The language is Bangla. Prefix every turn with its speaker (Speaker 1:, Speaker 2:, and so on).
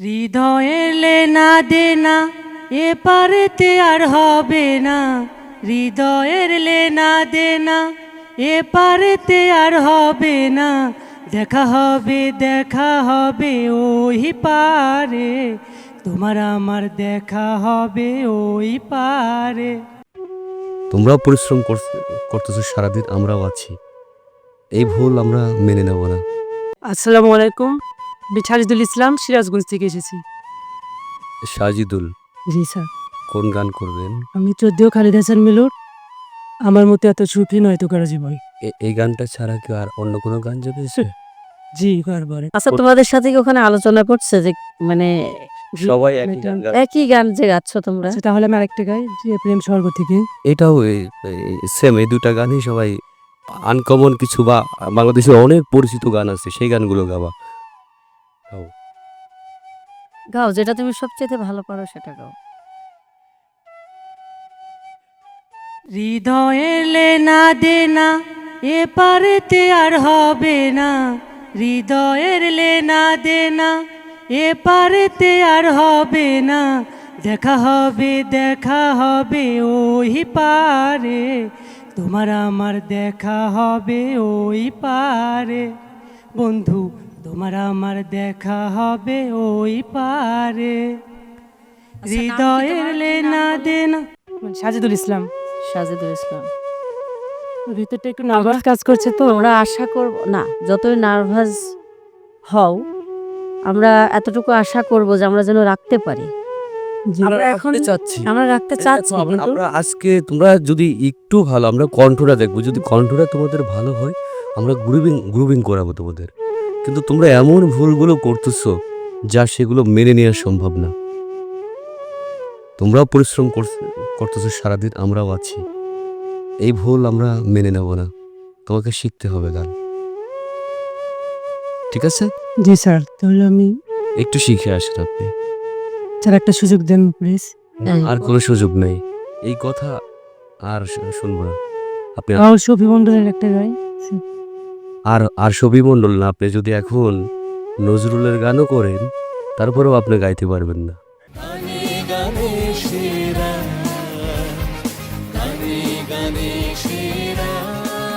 Speaker 1: হৃদয়ের লেনা দেনা এপারেতে আর হবে না, হৃদয়ের লেনা দেনা এপারেতে আর হবে না, দেখা হবে ওই পারে, তোমার আমার দেখা হবে ওই পারে।
Speaker 2: তোমরাও পরিশ্রম করতেছো সারাদিন, আমরাও আছি। এই ভুল আমরা মেনে নেব না।
Speaker 3: আসসালামু আলাইকুম, সাজিদুল ইসলাম, সিরাজগঞ্জ থেকে এসেছি।
Speaker 2: সাজিদুল,
Speaker 3: জি স্যার।
Speaker 2: কোন গান করবেন?
Speaker 3: আমি চোদ্দেও খালিদ হাসান মিলুর আমার মতো এত সুখী নয় তো কারো জীবন।
Speaker 2: এই গানটা ছাড়া কি আর অন্য কোনো গান জেগেছে?
Speaker 3: জি বারবার।
Speaker 4: আচ্ছা, তোমাদের সাথে কি ওখানে আলোচনা করছে যে মানে
Speaker 2: সবাই একই গান গায়।
Speaker 4: একই গান যে গাচ্ছ তোমরা?
Speaker 3: আচ্ছা, তাহলে আমি আরেকটা গাই, যে প্রেম স্বর্গ থেকে।
Speaker 2: এটাও সেম, এই দুটা গানই সবাই আনকমন কিছু বা বাংলাদেশে অনেক পরিচিত গান আছে, সেই গানগুলো গাওয়া।
Speaker 4: গাও, যেটা তুমি সবচেয়ে ভালো পারো সেটা গাও।
Speaker 1: হৃদয়ের লেনা দেনা এপারেতে আর হবে না, হৃদয়ের লেনা দেনা এপারেতে আর হবে না, দেখা হবে ওই পারে, তোমার আমার দেখা হবে ওই পারে, বন্ধু তোমার আমার দেখা হবে ওই পারে, হৃদয়ের লেনা দেনা।
Speaker 3: সাজিদুল ইসলাম।
Speaker 4: সাজিদুল ইসলাম।
Speaker 3: ভিতরটা একটু নার্ভাস কাজ করছে তো।
Speaker 4: আমরা আশা করব না, যতই নার্ভাস হও, আমরা এতটুকু আশা করব যে আমরা যেন রাখতে পারি।
Speaker 2: আমরা এখন চাচ্ছি,
Speaker 4: আমরা রাখতে চাচ্ছি, কিন্তু
Speaker 2: আমরা আজকে তোমরা যদি একটু ভালো, আমরা কণ্ঠটা দেখবো, যদি কণ্ঠটা তোমাদের ভালো হয় আমরা গ্রুপিং করাবো তোমাদের। কিন্তু তোমরা এমন ভুলগুলো করতেছো যা সেগুলো মেনে নেওয়া সম্ভব না। তোমরাও পরিশ্রম করতেছো সারাদিন, আমরাও আছি। এই ভুল আমরা মেনে নেব না, তোমাকে শিখতে হবে গান, ঠিক আছে?
Speaker 3: জি স্যার, তাহলে আমি
Speaker 2: একটু শিখে আসেন আপনি।
Speaker 3: স্যার একটা সুযোগ দেন প্লিজ।
Speaker 2: আর কোনো সুযোগ নেই, এই কথা আর শুনবো না। আপনি
Speaker 3: আর শফি মন্ডলের একটা গাই।
Speaker 2: আর সবই মণ্ডল না, আপনি যদি এখন নজরুলের গানও করেন তারপরেও আপনি গাইতে পারবেন না।
Speaker 5: গানে গানে সেরা